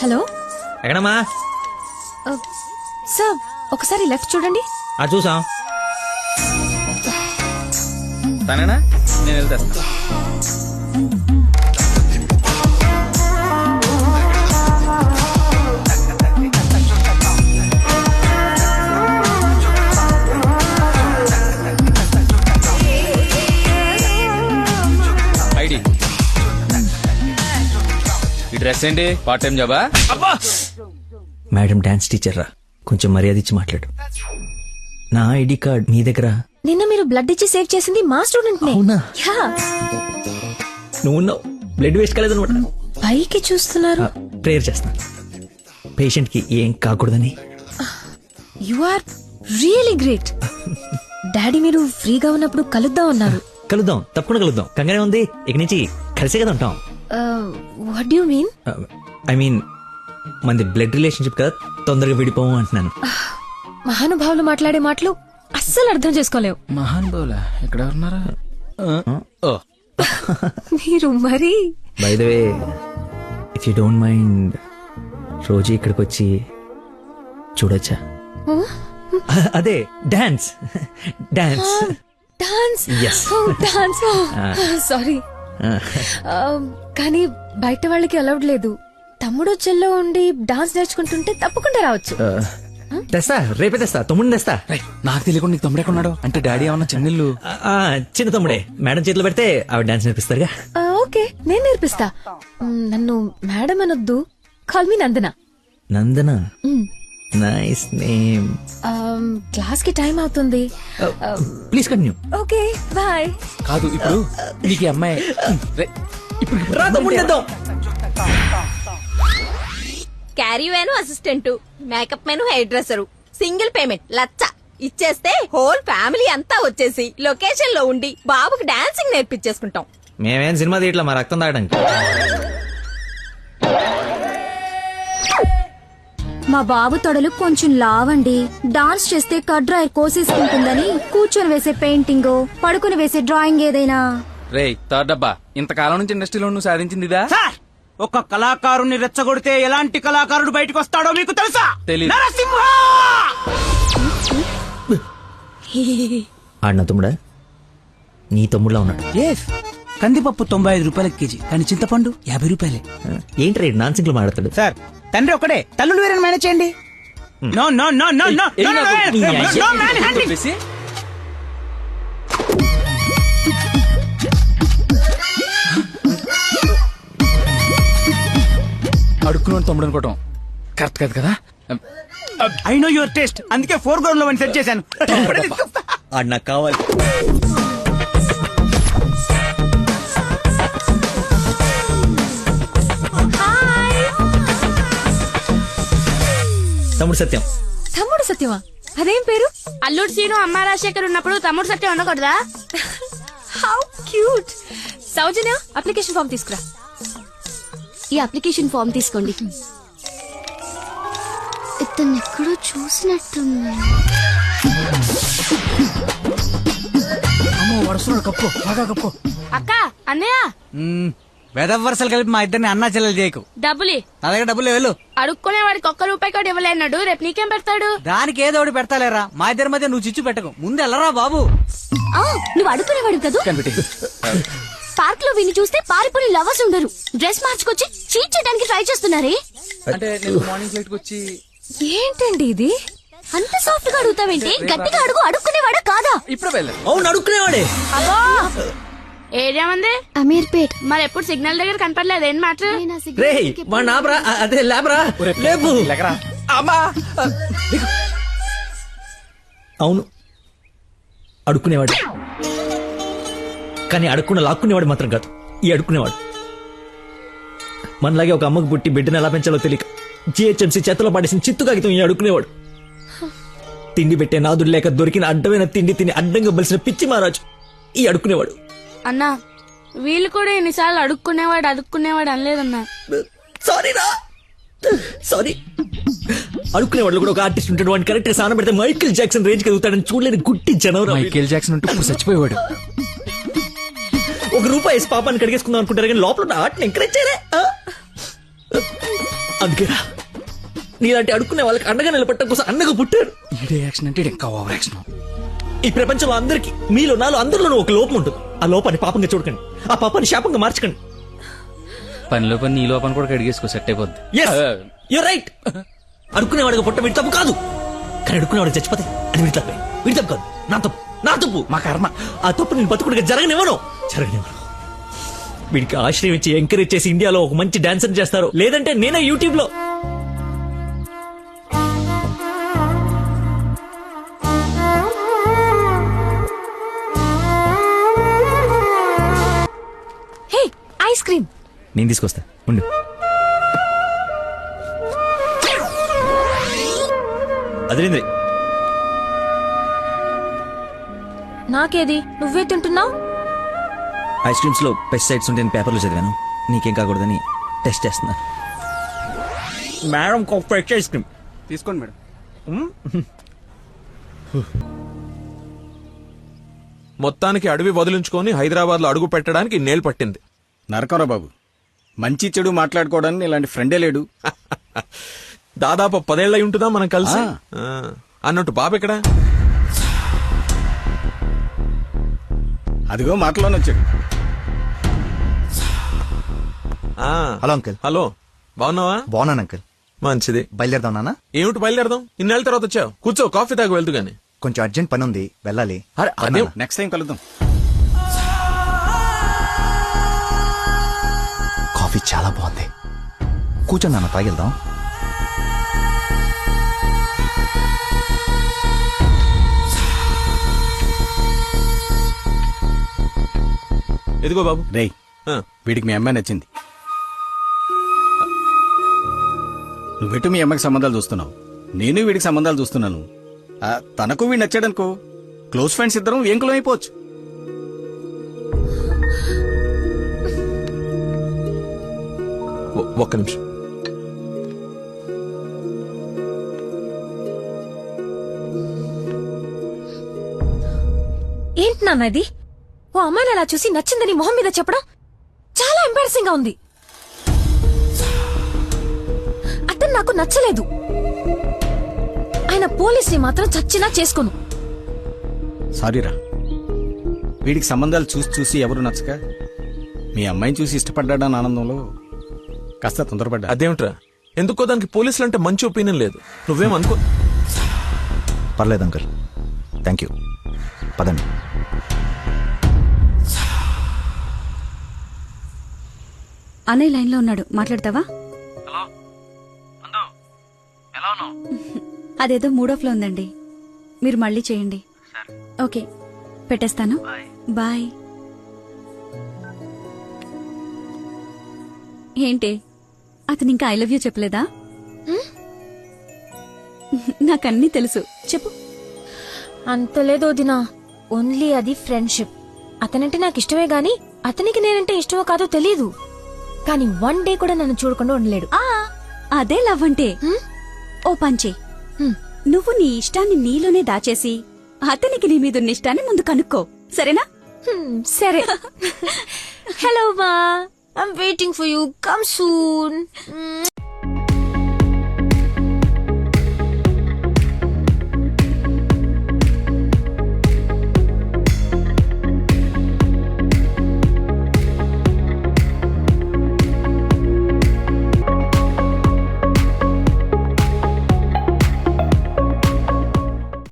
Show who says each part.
Speaker 1: Hello
Speaker 2: ఎక్కడమ్మా?
Speaker 1: Sir ఒకసారి left చూడండి.
Speaker 2: చూసాం. తనేనా? నేను వెళ్తాను. ఐడి ఈ డ్రెస్ ఏంటి? పార్ట్ టైం జాబా?
Speaker 3: మేడం డాన్స్ టీచర్ రా, కొంచెం మర్యాద ఇచ్చి మాట్లాడు. నా ఐడి కార్డ్ మీ దగ్గర.
Speaker 1: నిన్న మీరు బ్లడ్ ఇచ్చి సేవ్ చేసింది మా స్టూడెంట్ నే.
Speaker 3: అవునా?
Speaker 1: యా.
Speaker 3: నువ్వు బ్లడ్ వేస్ట్ కాలేదనమాట.
Speaker 1: పైకి చూస్తున్నారు.
Speaker 3: ప్రేయర్ చేస్తా పేషెంట్ కి ఏం కాకూడదని.
Speaker 1: You are really great. Daddy మీరు ఫ్రీగా ఉన్నప్పుడు కలుద్దాం అన్నారు.
Speaker 3: కలుద్దాం, తప్పకుండా కలుద్దాం. కంగానే ఉంది, ఇక నుంచి కలిసే కదా ఉంటాం.
Speaker 1: What do you mean?
Speaker 3: I mean మనది బ్లడ్ రిలేషన్షిప్ కదా, తొందరగా విడిపోము అంటున్నాను.
Speaker 1: మహానుభావులు మాట్లాడే మాటలు అస్సలు అర్థం చేసుకోలేవు.
Speaker 2: మహానుభావులా? ఎక్కడ ఉన్నారా?
Speaker 1: మీరు మరి
Speaker 3: by the way, if you don't mind, రోజు ఇక్కడికి వచ్చి చూడొచ్చా? అదే dance. Dance
Speaker 1: dance.
Speaker 3: Yes.
Speaker 1: Dance. Sorry, కానీ బయట వాళ్ళకి అలౌడ్ లేదు. తమ్ముడు చెల్లో ఉండి డాన్స్ నేర్చుకుంటుంటే తప్పకుండా రావచ్చు.
Speaker 3: తెస్తా, రేపే తెస్తా. తమ్ముడిని తెస్తా.
Speaker 2: నాకు తెలియకుండా నీకు తమ్ముడు ఎక్కడున్నాడు? అంటే డాడీ ఏమన్నా చెన్నెళ్ళు?
Speaker 3: చిన్న తమ్ముడే. మేడం చేతిలో పెడితే ఆవిడ డాన్స్ నేర్పిస్తారుగా.
Speaker 1: ఓకే, నేను నేర్పిస్తా. నన్ను మేడం అనొద్దు, call me Nandana.
Speaker 3: Nandana, nice name.
Speaker 1: Class కి టైం అవుతుంది.
Speaker 3: Please continue.
Speaker 1: Okay, bye.
Speaker 2: కాదు, ఇప్పుడు నీకు ఈ అమ్మాయి
Speaker 3: రా తమ్ముడిని తెద్దాం.
Speaker 4: Caravan assistant, makeup man hair dresser, single payment 1,00,000 ఇచ్చేస్తే హోల్ ఫ్యామిలీ అంతా వచ్చేసి లొకేషన్ లో ఉండి బాబుకి డాన్సింగ్ నేర్పించేసుకుంటాం.
Speaker 3: మేమేం సినిమా తీయట్లా, మా రక్తం తాగడానికి.
Speaker 5: మా బాబు తొడలు కొంచెం లావండి. డాన్స్ చేస్తే కట్ డ్రైర్ కోసేసుకుంటుందని కూర్చొని వేసే పెయింటింగ్, పడుకుని వేసే డ్రాయింగ్ ఏదైనా.
Speaker 2: రేయ్ థర్డ్ డబ్బా, ఇంతకాలం నుంచి ఇండస్ట్రీలో నువ్వు సాధించింది ఇదా?
Speaker 6: ఒక కళాకారుని రెచ్చగొడితే ఎలాంటి కళాకారుడు బయటకు వస్తాడో మీకు తెలుసా?
Speaker 2: తెలీదు.
Speaker 6: నరసింహ!
Speaker 3: ఆడిన తమ్ముడా? నీ తమ్ముడులా ఉన్నాడు.
Speaker 6: కందిపప్పు 95 రూపాయల కేజీ, కానీ చింతపండు 50 రూపాయలే.
Speaker 3: ఏంటి రేడు నాన్ సింగ్ లో మాట్లాడతాడు?
Speaker 6: సార్, తండ్రి ఒకడే, తల్లులు వేరే మేనేజ్ చేయండి. No no no no no no manhandling.
Speaker 2: అడుక్కున్నాడు తమ్ముడు అనుకోవటం కరెక్ట్ కాదు కదా.
Speaker 6: ఐ నో యువర్ టేస్ట్, అందుకే 4 గ్రౌండ్ లో సెట్ చేశాను.
Speaker 3: ఆడు నాకు కావాలి. తమ్ముడు సత్యం.
Speaker 1: తమ్ముడు సత్యమా? అదేం పేరు?
Speaker 7: అల్లుడు సీను అమ్మ రాజశేఖర్ ఉన్నప్పుడు తమ్ముడు సత్యం ఉండకూడదా?
Speaker 1: How cute. Soujanya, application form తీసుకురా.
Speaker 5: ఈ అప్లికేషన్ ఫామ్ తీసుకోండి. ఇతను ఎక్కడో చూసినట్టుంది.
Speaker 6: అమ్మో, వరుసలు కప్పు, బాగా కప్పు.
Speaker 7: అక్క, అన్నయ్య
Speaker 6: వెదవరసలు కలిపి మా ఇద్దరిని అన్నా చెల్లెలు చేయకు.
Speaker 7: డబ్బులి.
Speaker 6: నా దగ్గర డబ్బులు వెళ్ళు.
Speaker 7: అడుక్కునే వాడికి ₹1 కూడా ఇవ్వలేన్నాడు, రేపు నీకేం పెడతాడు?
Speaker 6: దానికి ఏదో ఒకటి పెడతాలేరా, మా ఇద్దరి మధ్య నువ్వు చిచ్చు పెట్టకు. ముందు వెళ్ళరా బాబు.
Speaker 5: నువ్వు అడుగునేవాడు కదా. పార్క్ లో విని చూస్తే పారిపోయిన లవర్స్ ఉండరు. డ్రెస్ మార్చుకొచ్చి చీట్ చేయడానికి ట్రై చేస్తున్నారే.
Speaker 2: అంటే నేను మార్నింగ్ ఫ్లైట్ వచ్చి.
Speaker 1: ఏంటండి ఇది?
Speaker 5: అంత సాఫ్ట్ గా అడుగుతావేంటి? గట్టిగా అడుగు. అడుక్కునేవాడా కాదా?
Speaker 2: ఇప్పుడు వెళ్ళాను.
Speaker 3: అవును, అడుక్కునేవాడే.
Speaker 7: అబ్బో, ఏరియా ఉంది
Speaker 5: అమీర్పేట్.
Speaker 7: మరి ఎప్పుడు సిగ్నల్ దగ్గర కనపడలేదు, ఏం మాట?
Speaker 3: రే మా నాబ్రా, అదే లేబరా. లేపు. అవును, అడుక్కునేవాడు. కానీ అడుక్కున్న లాక్కునేవాడు మాత్రం కాదు ఈ అడుక్కునేవాడు. మనలాగే ఒక అమ్మకు పుట్టి బిడ్డను ఎలా పెంచాలో తెలియక జిహెచ్ఎంసీ చేతిలో పడేసిన చిత్తు కాగితం ఈ అడుక్కునేవాడు. తిండి పెట్టే నాదుడు లేక దొరికిన అడ్డమైన తిండి తిని అడ్డంగా బలిసిన పిచ్చి మహారాజు ఈ అడుక్కునేవాడు.
Speaker 7: అన్నా, వీళ్ళు కూడా ఎన్నిసార్లు అడుక్కునేవాడు అనలేదన్నా.
Speaker 3: సారీ. అడుక్కునేవాడు కూడా ఒక ఆర్టిస్ట్ ఉంటాడు. వాడిని కరెక్ట్ గా సాన పెడితే మైకేల్ జాక్సన్ రేంజ్ ఎదుగుతాడని చూడలేని గుట్టి జనవరం.
Speaker 2: మైకేల్ జాక్సన్ ఉంటే ఇప్పుడు చచ్చిపోయేవాడు.
Speaker 3: ₹1 పాపాన్ని కడిగేసుకుందాం అనుకుంటారు కానీ లోపల ఆర్ట్ని ఎంకరేజ్ చేయలే. అందుకేరా నీలాంటి అడుక్కునే వాళ్ళకి అండగా నిలబట్టడం కోసం అండగా పుట్టారు.
Speaker 2: ఈడే యాక్షన్ అంటే ఇంకా ఓవర్ యాక్షన్.
Speaker 3: ఈ ప్రపంచంలో అందరికి మీలో నాలో అందరిలోనూ ఒక లోపం ఉంటుంది. ఆ లోపాన్ని పాపంగా చూడకండి, ఆ పాపాన్ని శాపంగా మార్చకండి.
Speaker 2: పనిలో పని నీ లోపల కూడా కడిగేసుకో, సెట్ అయిపోద్ది.
Speaker 3: You're right. అడుక్కునేవాడిగా పుట్ట వీడి తప్పు కాదు, కానీ అడుక్కునేవాడికి చచ్చిపోతే అది వీడి తప్పే. వీడి తప్పు కాదు, నా తప్పు, మా కర్మ. ఆ తప్పు నేను బతుకుడిగా జరగనివ్వను. వీడికి ఆశ్రయం ఇచ్చి ఎంకరేజ్ చేసి ఇండియాలో ఒక మంచి డాన్సర్ చేస్తారు, లేదంటే నేనే యూట్యూబ్ లో.
Speaker 1: Hey ice cream.
Speaker 3: నేను తీసుకొస్తా ఉండు. అదేంద్రి
Speaker 1: నాకేది, నువ్వే తింటున్నావు.
Speaker 3: ఐస్ క్రీమ్స్ లో పెస్టిసైడ్స్ ఉంటే పేపర్లో చదివాను, నీకేం కాకూడదని టెస్ట్ చేస్తున్నా. మేడం ఫ్రెష్ ఐస్ క్రీమ్
Speaker 2: తీసుకోండి మేడం.
Speaker 8: మొత్తానికి అడవి వదిలించుకొని హైదరాబాద్ లో అడుగు పెట్టడానికి నేలు పట్టింది.
Speaker 9: నరకరా బాబు, మంచి చెడు మాట్లాడుకోవడానికి ఇలాంటి ఫ్రెండే లేడు.
Speaker 8: దాదాపు 10 ఏళ్ళు అయి ఉంటుందా మనం కలిసి. అన్నట్టు బాబు ఎక్కడా?
Speaker 9: అదిగో మాటలోనే వచ్చాడు.
Speaker 10: Hello uncle.
Speaker 8: హలో, బాగున్నావా?
Speaker 10: బాగున్నాను అంకుల్.
Speaker 8: మంచిది.
Speaker 10: బయలుదేరదాం నాన్న?
Speaker 8: ఏమిటి బయలుదేరదాం? ఇన్నేళ్ళ తర్వాత వచ్చావు, కూర్చో, కాఫీ తాగి వెళ్తూ గాని.
Speaker 10: కొంచెం అర్జెంట్ పని ఉంది, వెళ్ళాలి.
Speaker 8: అదే
Speaker 9: నెక్స్ట్ టైం కలుద్దాం.
Speaker 10: కాఫీ చాలా బాగుంది, కూర్చొని నాన్న తాగిద్దాం.
Speaker 8: ఎదిగో బాబు.
Speaker 9: రేయ్,
Speaker 8: ఆ,
Speaker 9: వీడికి మీ అమ్మాయి నచ్చింది. నువ్వెటు మీ అమ్మకి సంబంధాలు చూస్తున్నావు, నేను వీడికి సంబంధాలు చూస్తున్నాను. తనకు వీడు నచ్చాడనుకో, క్లోజ్ ఫ్రెండ్స్ ఇద్దరం ఏంకులం అయిపోవచ్చు.
Speaker 8: ఒక్క నిమిషం.
Speaker 1: ఏంటి నాన్న ఇది? ఓ అమ్మాయిని అలా చూసి నచ్చిందని మొహం మీద చెప్పడం చాలా ఎంబారసింగ్ గా ఉంది. అతను నాకు నచ్చలేదు. ఆయన పోలీసుని మాత్రం చచ్చినా చేసుకోను.
Speaker 9: సారీరా, వీడికి సంబంధాలు చూసి చూసి ఎవరు నచ్చక మీ అమ్మాయిని చూసి ఇష్టపడ్డాడని ఆనందంలో కాస్త తొందరపడ్డా.
Speaker 8: అదేమిట్రా, ఎందుకో దానికి పోలీసులు అంటే మంచి ఒపీనియన్ లేదు. నువ్వేమనుకో.
Speaker 10: పర్లేదు అంకుల్, థ్యాంక్ యూ. పదండి.
Speaker 5: అన్నయ్య లైన్ లో ఉన్నాడు, మాట్లాడతావా? అదేదో మూడో ఫ్లో ఉందండి, మీరు మళ్ళీ చేయండి. ఓకే, పెట్టేస్తాను. బాయ్. ఏంటి, అతను ఇంకా ఐ లవ్ యూ చెప్పలేదా? నాకన్నీ తెలుసు, చెప్పు.
Speaker 1: అంత లేదు వదినా, ఓన్లీ అది ఫ్రెండ్షిప్. అతనంటే నాకు ఇష్టమే గాని అతనికి నేనంటే ఇష్టమో కాదో తెలీదు. కానీ 1 డే కూడా నన్ను చూడకుండా ఉండలేడు.
Speaker 5: అదే లవ్ అంటే. ఓ పంచే, నువ్వు నీ ఇష్టాన్ని నీలోనే దాచేసి అతనికి నీ మీదున్న ఇష్టాన్ని ముందు కనుక్కో, సరేనా?
Speaker 1: సరే. హలో మా, I'm waiting for you, come soon.